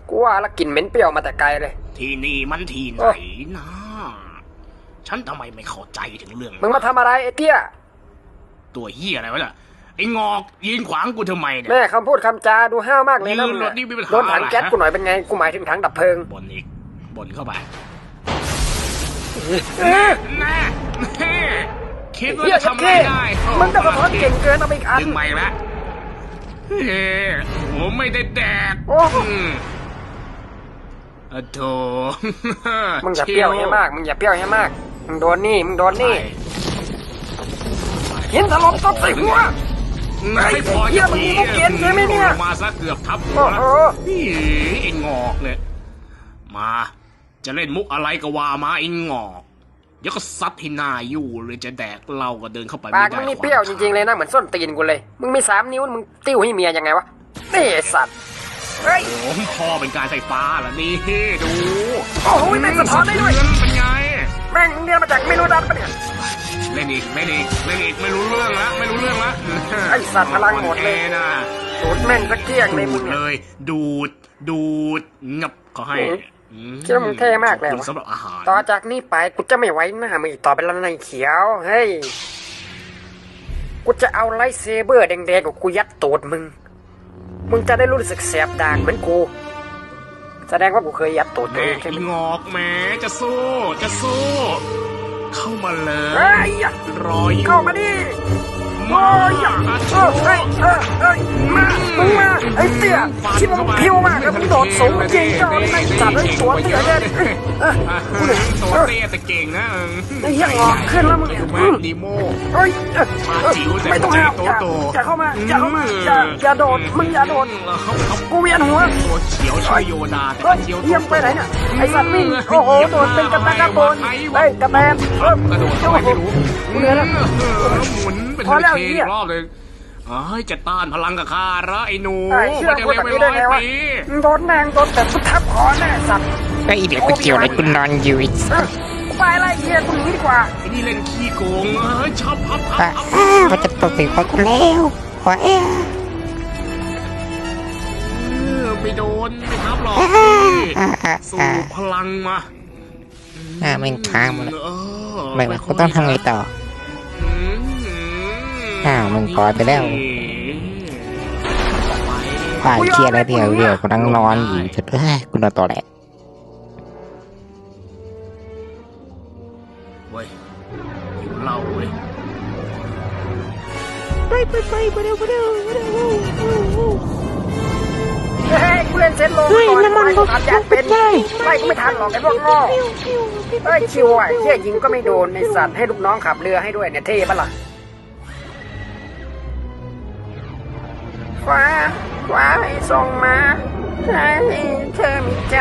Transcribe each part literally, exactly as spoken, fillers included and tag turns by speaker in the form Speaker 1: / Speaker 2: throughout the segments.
Speaker 1: กูว่าแล้วกลิ่นเหม็นเปรี้ยวมาแต่ไกลเลย
Speaker 2: ที่นี่มันที่ไหนนะฉันทำไมไม่เข้าใจถึงเรื่อง
Speaker 1: มึงมาทำอะไรไอ้เตี้ย
Speaker 2: ตัวเหี้ยอะไรวะเนี่ยไอ้งอกยืนขวางกูทำไมเนี่ย
Speaker 1: แม่คำพูดคำจาดูห้าวมากเลยนะโดนถังแก๊สกูหน่อยเป็นไงกูหมายถึงถังดับเพลิง
Speaker 2: บ่นอีกบ่นเข้าไป
Speaker 1: แน่
Speaker 2: แน่คิดว่าจะทำอะไรได้
Speaker 1: มึงจะสะท้อนเก่งเกินเอาไปอีกอัน
Speaker 2: ดึงไม่ละเฮ้ผมไม่ได้แดก
Speaker 1: โอ้
Speaker 2: โธ่
Speaker 1: มึงอย่าเปรี้ยวให้มากมึงอย่าเปรี้ยวให้มากมึงโดนนี่มึงโดนนี่เห็นถล่มตบใส่หัว
Speaker 2: ไอ้พอ
Speaker 1: จะมีมุกเกียนใช่ไหมเนี่ย
Speaker 2: มาซะเกือบทับหัวนี่ไอ้งอกเนี่ยมาจะเล่นมุกอะไรก็ว่ามาไอ้งอกเดี๋ยวก็ซัดที่หน้าอยู่เลยจะแดกเราก็เดินเข้าไปไม่ได้
Speaker 1: ปากมึงนี่เปรี้ยวจริงๆเลยนะเหมือนส้นตีนกูเลยมึงมีสามนิ้วมึงติ้วให้เมียยังไงวะนี่สัตว์เฮ้ย
Speaker 2: โอ้พ่อเป็นการไฟฟ้าเหรอนี่ดู
Speaker 1: โอ้โหแม่งสะท้อนได้ด้วย
Speaker 2: เป็นไง
Speaker 1: แม่งเรียนมาจากไม่รู้ดันปะเนี่ย
Speaker 2: เล่นอีกเล่นอีกเล่นอีกไม่รู้เรื่องละไม่รู้เรื่องละ
Speaker 1: ไอสัตว์พลังหมดเลย
Speaker 2: นะ
Speaker 1: ดูดแม่งสักเที่ยงเลยมึง
Speaker 2: เลยดูดดูดงับเขาให้
Speaker 1: คิดว่ามึงเท่มากเลย
Speaker 2: สำหรับอาหาร
Speaker 1: ต่อจากนี้ไปกูจะไม่ไว้หน้ามึงอีกต่อไปแล้วนายเขียวเฮ้ยกูจะเอาไลท์เซเบอร์แดงๆกับกูยัดตูดมึงมึงจะได้รู้สึกแสบดากเหมือนกูแสดงว่ากูเคยยัดตูดตัวเองใช่ไหม
Speaker 2: งอกแม่จะสู้จะสู้เข้ามาเลยรออยู่
Speaker 1: เข้ามาดิโอ้ยเออเฮ้ยเออเฮ้ยมามึงมาไอ้เตี้ยที่มึงพิ้วมากแล้วมึงโดดสูงจริงจังไม่จับไอ้ตัวเตี้ยเลยเออกูเลย
Speaker 2: ตัวเตี้ยแต่เก่งนะ
Speaker 1: ไอ้เหี้ยงอกขึ้นแล้วมึง
Speaker 2: ดีโม
Speaker 1: เฮ้ยไม่ต้องห้ามอย่าเข้ามาอย่าเข้ามาอย่าอย่าโดดมึงอย่าโดดกูเวียนหัว
Speaker 2: ตัวเขียวช่วยโยดา
Speaker 1: เขียวเยี่ยมไปไหนเนี่ยไอ้สัตว์วิ่งโอ้โหโดดเป็นกระแตกระโดนไอ้กระแตนเออกระโดดทำไมไม่รู้กูเหนื่อยแล้ว
Speaker 2: หมุนเป็นเทอีกรอบเลยเอ้ยจะต้านพลังกับข้าละไอ้หนู
Speaker 1: มันจะเร็วไปร้อยปีโดนแรงโดนแต่สุดทับคอแน่สัตว์
Speaker 3: ไอ้เดี๋ยวกูเกี่ยวอะไรกูนอนอยู่อีก
Speaker 1: ไปไล่เฮียกูหนีดีกว่า
Speaker 2: ไอ้นี่เล่นขี้โกงเอ้ยชอบพับพับ
Speaker 3: มันจะตกถึงคนกูแล้วขอเอ๊ะ
Speaker 2: ไม่โดนไม่ทับหรอกสู่พลังมา
Speaker 3: อ่ามันค้างหมดแล้วไม่ว่ากูต้องทำไงต่ออ้าวมึงปล่อยไปแล้วผ่านเคลียร์อะไรเดียวเดียวกูนั่งนอนอยู่จะเฮ้ยกูนอนต่อแหละ
Speaker 2: เว้ยอยู่เล่าเว้ย
Speaker 1: ไปไปไปไปเร็วไปเร็วไปเร็วเฮ้ยกูเล่นเซตโลก่อนไปกูทำยัดเป็นไล่กูไม่ทันหรอกไอ้พวกง้อเฮ้ยชิวไอ้เหี้ยยิงก็ไม่โดนในสัตว์ให้ลูกน้องขับเรือให้ด้วยเนี่ยเท่ปะล่ะฟ้าฟ้าให้ส่งมาให้เธอมีใจ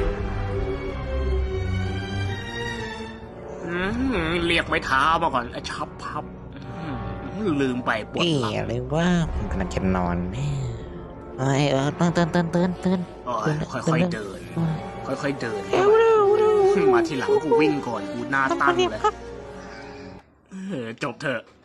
Speaker 2: เรียกไม้เท้ามาก่อนไอ้ชับพับลืมไปปวดหลัง
Speaker 3: เลยว่าผมกำลังจะนอนแน่เออเออตื่นตื่นตื่นตื่นตื่น
Speaker 2: ค่อยๆเดินค่อยๆเดินมาทีหลังกูวิ่งก่อนกูหน้าตั้งเลยจบเถอะ